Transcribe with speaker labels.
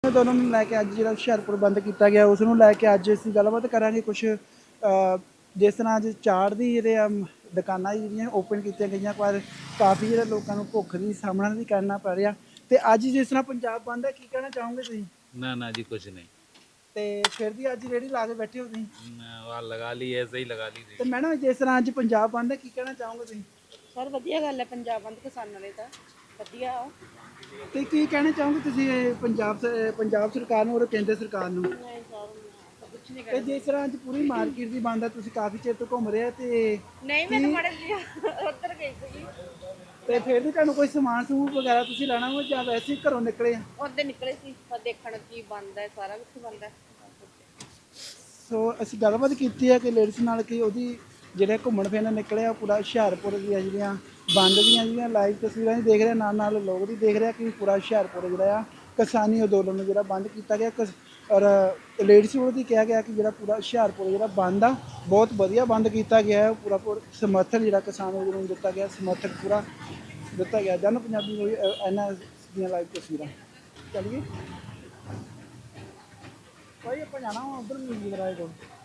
Speaker 1: ਅੰਦੋਲਨ ਨੂੰ ਲੈ ਕੇ ਅੱਜ ਜਿਹੜਾ ਹੁਸ਼ਿਆਰਪੁਰ ਬੰਦ ਕੀਤਾ ਗਿਆ ਉਸ ਨੂੰ ਲੈ ਕੇ ਅੱਜ ਅਸੀਂ ਗੱਲਬਾਤ ਕਰਾਂਗੇ ਕੁਝ ਜਿਸ ਤਰ੍ਹਾਂ ਅੱਜ ਚਾੜ ਦੀ ਜਿਹੜੇ ਦੁਕਾਨਾਂ ਜਿਹੜੀਆਂ ਓਪਨ ਕੀਤੀਆਂ ਗਈਆਂ ਪਰ ਕਾਫੀ ਜਿਹੜੇ ਲੋਕਾਂ ਨੂੰ ਭੁੱਖ ਦੀ ਸਾਹਮਣਾ ਵੀ ਕਰਨਾ ਪੈ ਰਿਹਾ ਤੇ ਅੱਜ ਜਿਸ ਤਰ੍ਹਾਂ ਪੰਜਾਬ ਬੰਦ ਹੈ ਕੀ ਕਹਿਣਾ ਚਾਹੋਗੇ ਤੁਸੀਂ?
Speaker 2: ना ना जी कुछ नहीं।
Speaker 1: ਤੇ ਫਿਰ ਵੀ ਅੱਜ ਰੇਹੜੀ ਲਾ ਕੇ ਬੈਠੇ ਹੋ ਤੁਸੀਂ
Speaker 2: वहाँ लगा ली ऐसे ही लगा ली
Speaker 1: ਤੇ
Speaker 2: थी।
Speaker 1: ਮੈਡਮ ਜਿਸ ਤਰ੍ਹਾਂ ਅੱਜ ਪੰਜਾਬ ਬੰਦ ਹੈ ਕੀ ਕਹਿਣਾ ਚਾਹੋਗੇ ਤੁਸੀਂ?
Speaker 3: ਸਰ ਵਧੀਆ ਗੱਲ ਹੈ ਪੰਜਾਬ ਬੰਦ ਕਿਸਾਨਾਂ ਲਈ ਤਾਂ ਵਧੀਆ ਆ।
Speaker 1: ਤੇ ਕੀ ਕਹਿਣਾ ਚਾਹੋਗੇ ਤੁਸੀਂ ਇਹ ਪੰਜਾਬ ਸਰਕਾਰ ਨੂੰ ਔਰ ਕੇਂਦਰ ਸਰਕਾਰ ਨੂੰ?
Speaker 3: ਨਹੀਂ ਸਰ ਕੁਝ ਨਹੀਂ
Speaker 1: ਤੇ ਜਿਸ ਤਰ੍ਹਾਂ ਅੱਜ ਪੂਰੀ ਮਾਰਕੀਟ ਦੀ ਬੰਦ ਹੈ ਤੁਸੀਂ ਕਾਫੀ ਚਿਰ ਤੋਂ ਘੁੰਮ ਰਹੇ ਹੋ ਤੇ
Speaker 3: ਨਹੀਂ ਮੈਂ ਤਾਂ ਮੜੇ ਲਿਆ ਉੱਧਰ ਗਈ ਸੀ
Speaker 1: ਤੇ ਫਿਰ ਵੀ ਤੁਹਾਨੂੰ ਕੋਈ ਸਮਾਨ ਸਮੂਹ ਵਗੈਰਾ ਤੁਸੀਂ ਲੈਣਾ ਹੋ ਜਾਂ ਵੈਸੇ ਹੀ ਘਰੋਂ ਨਿਕਲੇ ਆ?
Speaker 3: ਉੱਧਰ ਨਿਕਲੇ ਸੀ ਪਰ ਦੇਖਣ ਕੀ ਬੰਦ ਹੈ ਸਾਰਾ ਕੁਝ ਬੰਦ ਹੈ।
Speaker 1: ਸੋ ਅਸੀਂ ਗੱਲਬਾਤ ਕੀਤੀ ਹੈ ਕਿ ਲੇਡੀਜ਼ ਨਾਲ ਕਿ ਉਹਦੀ ਜਿਹੜੇ ਘੁੰਮਣ ਫਿਰਨ ਨਿਕਲੇ ਆ ਪੂਰਾ ਹੁਸ਼ਿਆਰਪੁਰ ਦੀਆਂ ਜਿਹੜੀਆਂ ਬੰਦ ਦੀਆਂ ਜਿਹੜੀਆਂ ਲਾਈਵ ਤਸਵੀਰਾਂ ਵੀ ਦੇਖ ਰਹੇ ਨਾਲ ਨਾਲ ਲੋਕ ਵੀ ਦੇਖ ਰਹੇ ਕਿ ਪੂਰਾ ਹੁਸ਼ਿਆਰਪੁਰ ਜਿਹੜਾ ਆ ਕਿਸਾਨੀ ਅੰਦੋਲਨ ਨੂੰ ਜਿਹੜਾ ਬੰਦ ਕੀਤਾ ਗਿਆ ਔਰ ਲੇਡੀਜ਼ ਨੂੰ ਵੀ ਕਿਹਾ ਗਿਆ ਕਿ ਜਿਹੜਾ ਪੂਰਾ ਹੁਸ਼ਿਆਰਪੁਰ ਜਿਹੜਾ ਬੰਦ ਆ ਬਹੁਤ ਵਧੀਆ ਬੰਦ ਕੀਤਾ ਗਿਆ ਹੈ ਪੂਰਾ ਸਮਰਥਨ ਜਿਹੜਾ ਕਿਸਾਨ ਅੰਦੋਲਨ ਨੂੰ ਦਿੱਤਾ ਗਿਆ ਸਮਰਥਨ ਪੂਰਾ ਦਿੱਤਾ ਗਿਆ ਜਨ ਪੰਜਾਬੀ ਨੂੰ ਇਹਨਾਂ ਦੀਆਂ ਲਾਈਵ ਤਸਵੀਰਾਂ ਚੱਲੀਏ ਭਾਈ ਆਪਾਂ ਜਾਣਾ ਉਧਰ ਮਿਊਜ਼ਿਕ ਰਾਏ ਕੋਲ